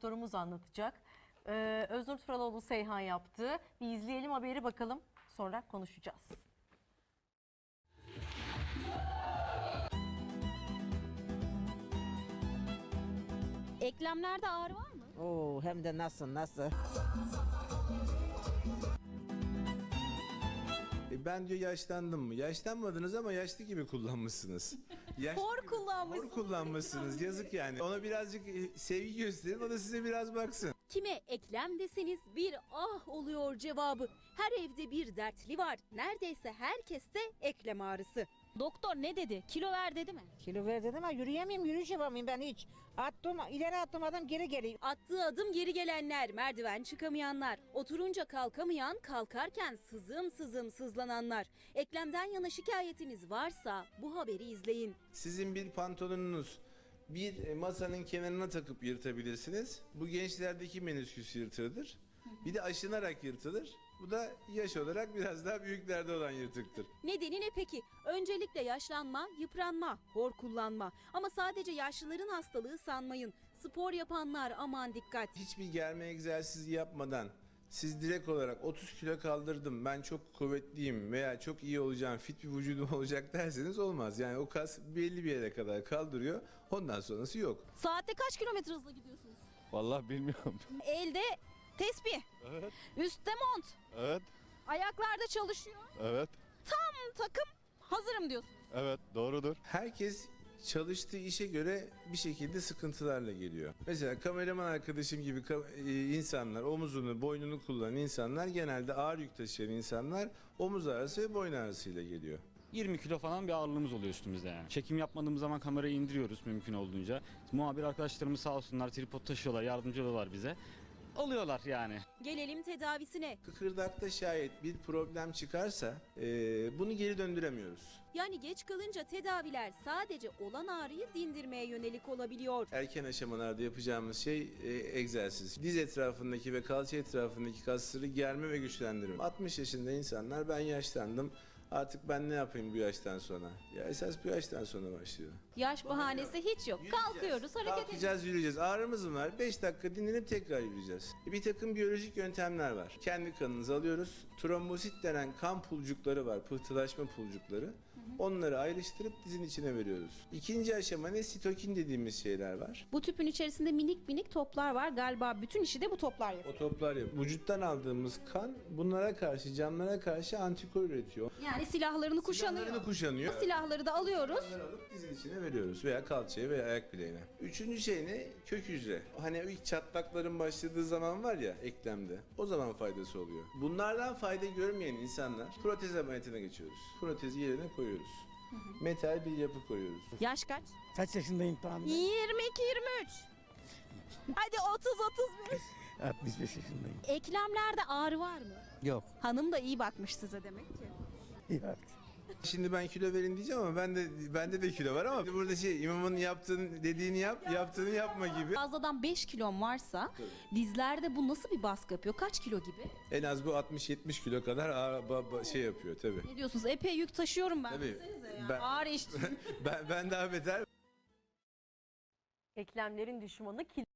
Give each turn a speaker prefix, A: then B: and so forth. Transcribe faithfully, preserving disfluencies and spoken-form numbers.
A: doktorumuz anlatacak. Ee, Öznur Turaloğlu Seyhan yaptı. Bir izleyelim haberi bakalım. Sonra konuşacağız.
B: Eklemlerde ağrı var mı?
C: Oo, hem de nasıl nasıl.
D: E ben diyor yaşlandım mı? Yaşlanmadınız ama yaşlı gibi kullanmışsınız. Yaşlı
B: Hor
D: gibi-
B: kullanmışsınız.
D: Hor kullanmışsınız. Yazık yani. Ona birazcık e, sevgi gösterin. O da size biraz baksın.
B: Kime eklem deseniz bir ah oluyor cevabı. Her evde bir dertli var. Neredeyse herkeste eklem ağrısı. Doktor ne dedi? Kilo ver dedi mi?
C: Kilo ver dedim ama yürüyemeyim, yürüyüş yapamıyorum ben hiç. Attım, ileri attım adam geri geliyor.
B: Attığı adım geri gelenler, merdiven çıkamayanlar, oturunca kalkamayan, kalkarken sızım sızım sızlananlar. Eklemden yana şikayetiniz varsa bu haberi izleyin.
D: Sizin bir pantolonunuz bir e, masanın kenarına takıp yırtabilirsiniz. Bu gençlerdeki menisküs yırtığıdır. Bir de aşınarak yırtılır. Bu da yaş olarak biraz daha büyüklerde olan yırtıktır.
B: Nedeni ne peki? Öncelikle yaşlanma, yıpranma, hor kullanma. Ama sadece yaşlıların hastalığı sanmayın. Spor yapanlar aman dikkat.
D: Hiçbir germe egzersizi yapmadan siz direkt olarak otuz kilo kaldırdım, ben çok kuvvetliyim veya çok iyi olacağım, fit bir vücudum olacak derseniz olmaz. Yani o kas belli bir yere kadar kaldırıyor, ondan sonrası yok.
B: Saatte kaç kilometre hızla gidiyorsunuz?
E: Vallahi bilmiyorum.
B: Elde tesbih,
E: Evet.
B: üstte mont,
E: Evet.
B: ayaklarda çalışıyor.
E: Evet.
B: Tam takım hazırım diyorsunuz.
E: Evet. Doğrudur.
D: Herkes çalıştığı işe göre bir şekilde sıkıntılarla geliyor. Mesela kameraman arkadaşım gibi ka- e, insanlar, omuzunu, boynunu kullanan insanlar genelde ağır yük taşıyan insanlar omuz ağrısı ve boyun ağrısıyla geliyor.
F: yirmi kilo falan bir ağırlığımız oluyor üstümüzde yani. Çekim yapmadığımız zaman kamerayı indiriyoruz mümkün olduğunca. Muhabir arkadaşlarımız sağ olsunlar tripod taşıyorlar, yardımcı oluyorlar bize. Oluyorlar yani.
B: Gelelim tedavisine.
D: Kıkırdakta şayet bir problem çıkarsa e, bunu geri döndüremiyoruz.
B: Yani geç kalınca tedaviler sadece olan ağrıyı dindirmeye yönelik olabiliyor.
D: Erken aşamalarda yapacağımız şey e, egzersiz. Diz etrafındaki ve kalça etrafındaki kasları germe ve güçlendirme. altmış yaşında insanlar ben yaşlandım, artık ben ne yapayım bu yaştan sonra? Ya esas bu yaştan sonra başlıyor.
B: Yaş bahanesi hiç yok. Kalkıyoruz, hareket ediyoruz.
D: Kalkacağız, yürüyeceğiz. Ağrımız mı var? beş dakika dinlenip tekrar yürüyeceğiz. Bir takım biyolojik yöntemler var. Kendi kanınızı alıyoruz. Trombosit denen kan pulcukları var. Pıhtılaşma pulcukları. Onları ayrıştırıp dizin içine veriyoruz. İkinci aşama ne? Sitokin dediğimiz şeyler var.
B: Bu tüpün içerisinde minik minik toplar var. Galiba bütün işi de bu toplar yapıyor.
D: O toplar yap. Vücuttan aldığımız kan bunlara karşı, canlılara karşı antikor üretiyor.
B: Yani silahlarını kuşanıyor.
D: Silahlarını kuşanıyor.
B: Silahları da alıyoruz.
D: Onları alıp dizin içine veriyoruz veya kalçaya veya ayak bileğine. Üçüncü şey ne? Kök hücre. Hani ilk çatlakların başladığı zaman var ya eklemde. O zaman faydası oluyor. Bunlardan fayda görmeyen insanlar protez ameliyatına geçiyoruz. Protezi yerine koyuyoruz. Metal bir yapı koyuyoruz.
B: Yaş kaç?
G: Kaç yaşındayım tahmin?
B: yirmi iki yirmi üç. Hadi otuz otuz beş.
G: altmış beş yaşındayım.
B: Eklemlerde ağrı var mı?
G: Yok.
B: Hanım da iyi bakmış size demek ki.
G: Yok.
D: Şimdi ben kilo verin diyeceğim ama ben de bende de kilo var ama burada şey imamın yaptığını dediğini yap, yaptığını yapma gibi.
B: Fazladan beş kilon varsa dizlerde bu nasıl bir baskı yapıyor? Kaç kilo gibi?
D: En az bu altmış yetmiş kilo kadar ağır, ba- ba- şey yapıyor tabii.
B: Ne diyorsunuz? Epey yük taşıyorum ben.
D: Tabii.
B: Desenize ya.
D: Ben-
B: Ağır iş.
D: ben ben daha beter.
A: Eklemlerin düşmanı kilo.